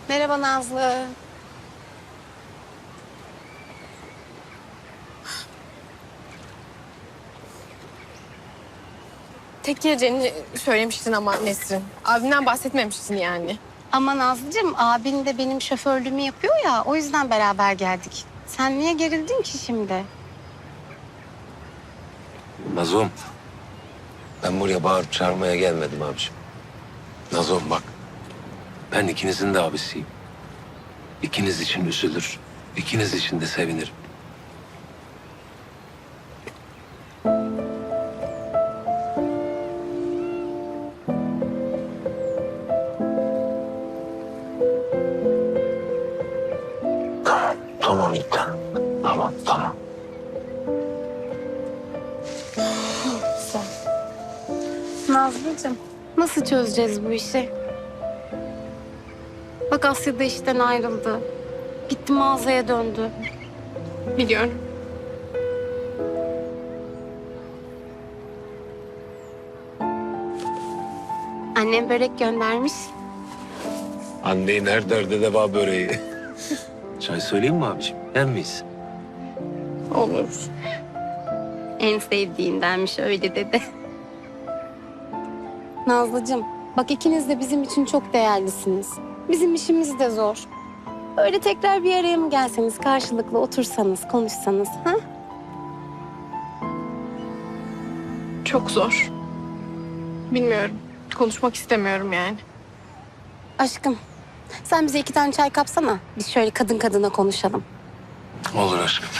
Merhaba Nazlı. Tek geleceğini söylemiştin ama Nesrin. Abimden bahsetmemiştin yani. Ama Nazlıcığım abin de benim şoförlüğümü yapıyor ya o yüzden beraber geldik. Sen niye gerildin ki şimdi? Nazom, ben buraya bağırıp çağırmaya gelmedim abiciğim. Nazom bak, ben ikinizin de abisiyim. İkiniz için üzülür, ikiniz için de sevinirim. Tamam bir tanem. Tamam. Nazlıcığım nasıl çözeceğiz bu işi? Bak Asya da işten ayrıldı. Gitti mağazaya döndü. Biliyorum. Annem börek göndermiş. Anneyi her derde deva böreği. Çay söyleyeyim mi abiciğim? Yer miyiz? Olur. En sevdiğindenmiş öyle dedi. Nazlıcığım bak ikiniz de bizim için çok değerlisiniz. Bizim işimiz de zor. Öyle tekrar bir araya mı gelseniz karşılıklı otursanız konuşsanız ha? Çok zor. Bilmiyorum. Konuşmak istemiyorum yani. Aşkım sen bize 2 tane çay kapsana. Biz şöyle kadın kadına konuşalım. Olur aşkım.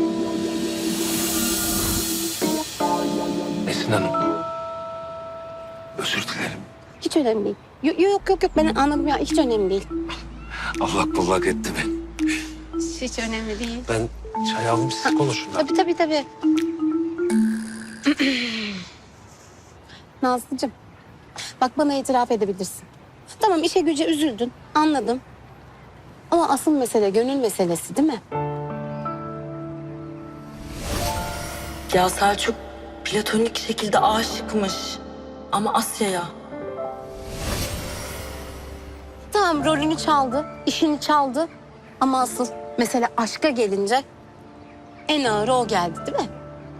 Esin Hanım. Özür dilerim. Hiç önemli değil. Yok ben anladım ya hiç önemli değil. Allak bullak etti beni. Hiç önemli değil. Ben çay aldım, siz konuşun. Tabii. Nazlıcığım bak bana itiraf edebilirsin. Tamam işe güce üzüldün anladım. Ama asıl mesele gönül meselesi değil mi? Ya Selçuk platonik şekilde aşıkmış. Ama Asya'ya. Tamam rolünü çaldı, işini çaldı. Ama asıl mesele aşka gelince en ağır o geldi değil mi?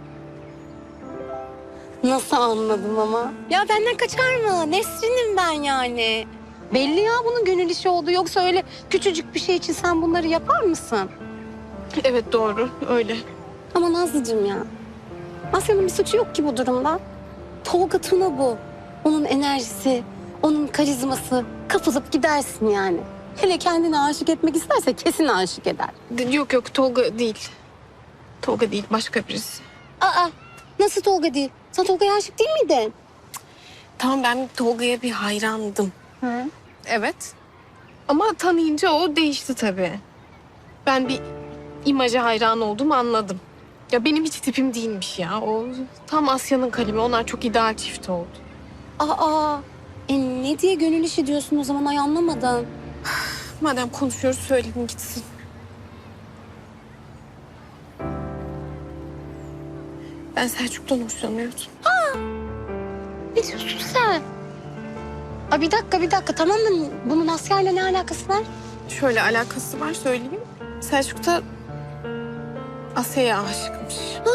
Nasıl anladım ama? Ya benden kaçar mı? Nesrin'im ben yani. Belli ya bunun gönül işi oldu. Yoksa öyle küçücük bir şey için sen bunları yapar mısın? Evet doğru. Öyle. Ama Nazlıcığım ya. Asya'nın bir suçu yok ki bu durumda. Tolga Tuna bu. Onun enerjisi, onun karizması. Kapılıp gidersin yani. Hele kendine aşık etmek isterse kesin aşık eder. Yok Tolga değil. Tolga değil başka birisi. Aa, nasıl Tolga değil? Sen Tolga'ya aşık değil miydin? Tamam ben Tolga'ya bir hayrandım. Hı. Evet. Ama tanıyınca o değişti tabii. Ben bir imaja hayran olduğumu anladım. Ya benim hiç tipim değilmiş ya. O tam Asya'nın kalemi. Onlar çok ideal çift oldu. Aa, ne diye gönül işi diyorsun o zaman ay anlamadım. Madem konuşuyoruz söyleyin gitsin. Ben Selçuk'tan hoşlanıyordum. Ne diyorsun sen? Aa, bir dakika tamam da bunun Asya'yla ne alakası var? Şöyle alakası var söyleyeyim. Selçuk da Asya'ya aşıkmış.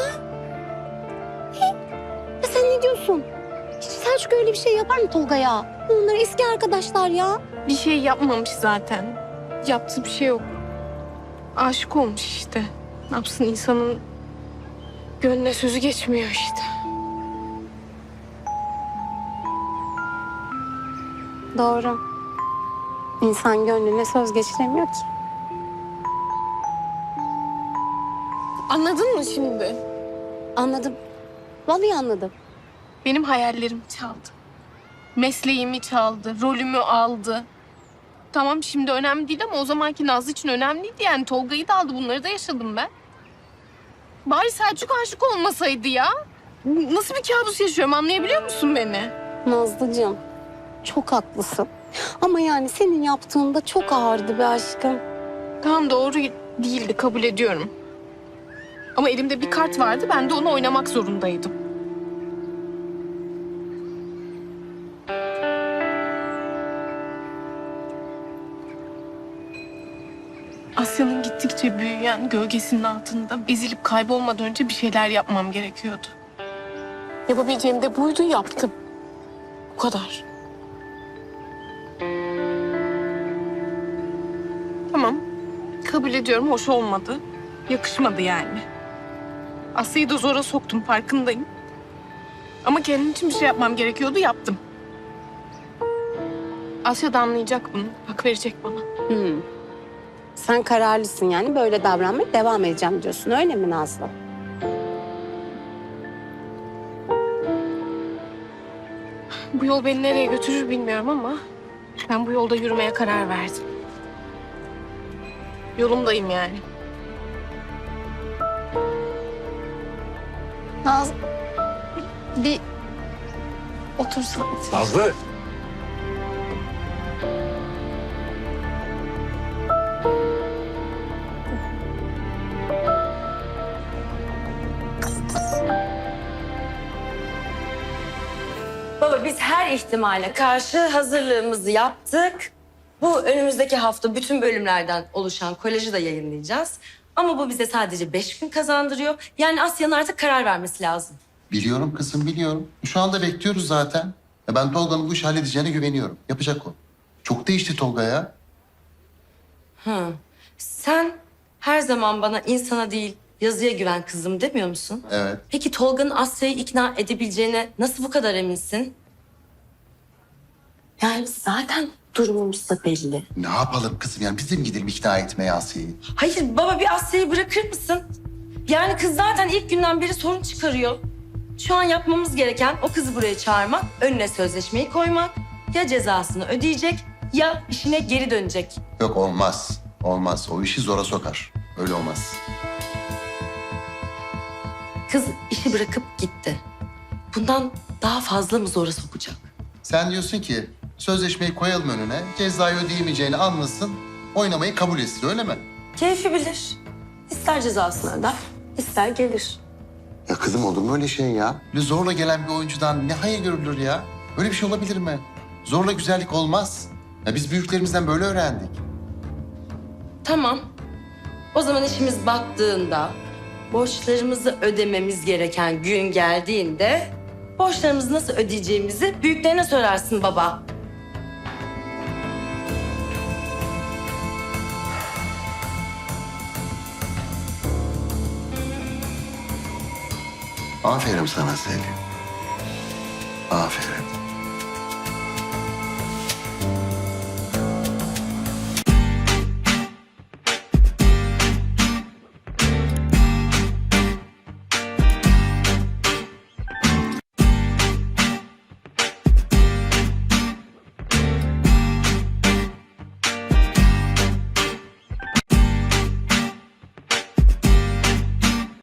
Ya sen ne diyorsun? Hiç Selçuk öyle bir şey yapar mı Tolga'ya? Bunlar eski arkadaşlar ya. Bir şey yapmamış zaten. Yaptığı bir şey yok. Aşık olmuş işte. Ne yapsın insanın gönlüne sözü geçmiyor işte. Doğru. İnsan gönlüne söz geçiremiyor ki. Anladın mı şimdi? Anladım. Vallahi anladım. Benim hayallerimi çaldı. Mesleğimi çaldı, rolümü aldı. Tamam şimdi önemli değil ama o zamanki Nazlı için önemliydi yani. Tolga'yı da aldı, bunları da yaşadım ben. Bari Selçuk aşık olmasaydı ya. Nasıl bir kabus yaşıyorum anlayabiliyor musun beni? Nazlıcığım çok haklısın. Ama yani senin yaptığın da çok ağırdı be aşkım. Tamam doğru değildi kabul ediyorum. Ama elimde bir kart vardı ben de onu oynamak zorundaydım. Asya'nın gittikçe büyüyen gölgesinin altında ezilip kaybolmadan önce bir şeyler yapmam gerekiyordu. Yapabileceğim de buydu, yaptım. Bu kadar. Tamam. Kabul ediyorum, hoş olmadı. Yakışmadı yani. Asya'yı da zora soktum, farkındayım. Ama kendim için bir şey yapmam gerekiyordu, yaptım. Asya da anlayacak bunu, hak verecek bana. Sen kararlısın yani, böyle davranmaya devam edeceğim diyorsun, öyle mi Nazlı? Bu yol beni nereye götürür bilmiyorum ama ben bu yolda yürümeye karar verdim. Yolumdayım yani. Nazlı, bir otursan. Nazlı! Baba biz her ihtimale karşı hazırlığımızı yaptık. Bu önümüzdeki hafta bütün bölümlerden oluşan kolajı da yayınlayacağız. Ama bu bize sadece 5 gün kazandırıyor. Yani Asya'nın artık karar vermesi lazım. Biliyorum kızım, biliyorum. Şu anda bekliyoruz zaten. Ben Tolga'nın bu işi halledeceğine güveniyorum. Yapacak o. Çok değişti Tolga ya. Sen her zaman bana insana değil yazıya güven kızım demiyor musun? Evet. Peki Tolga'nın Asya'yı ikna edebileceğine nasıl bu kadar eminsin? Yani zaten durumumuz da belli. Ne yapalım kızım yani? Biz de mi gidelim ikna etmeye Asya'yı? Hayır baba bir Asya'yı bırakır mısın? Yani kız zaten ilk günden beri sorun çıkarıyor. Şu an yapmamız gereken o kızı buraya çağırmak, önüne sözleşmeyi koymak. Ya cezasını ödeyecek ya işine geri dönecek. Yok olmaz. Olmaz. O işi zora sokar. Öyle olmaz. Kız işi bırakıp gitti. Bundan daha fazla mı zora sokacak? Sen diyorsun ki sözleşmeyi koyalım önüne, cezayı ödeyemeyeceğini anlasın, oynamayı kabul etsin öyle mi? Keyfi bilir. İster cezasını öder, ister gelir. Ya kızım olur mu öyle şey ya? Böyle zorla gelen bir oyuncudan ne hayır görülür ya? Öyle bir şey olabilir mi? Zorla güzellik olmaz. Ya biz büyüklerimizden böyle öğrendik. Tamam. O zaman işimiz battığında, borçlarımızı ödememiz gereken gün geldiğinde... borçlarımızı nasıl ödeyeceğimizi büyüklerine sorarsın baba. Aferin sana Selin. Aferin.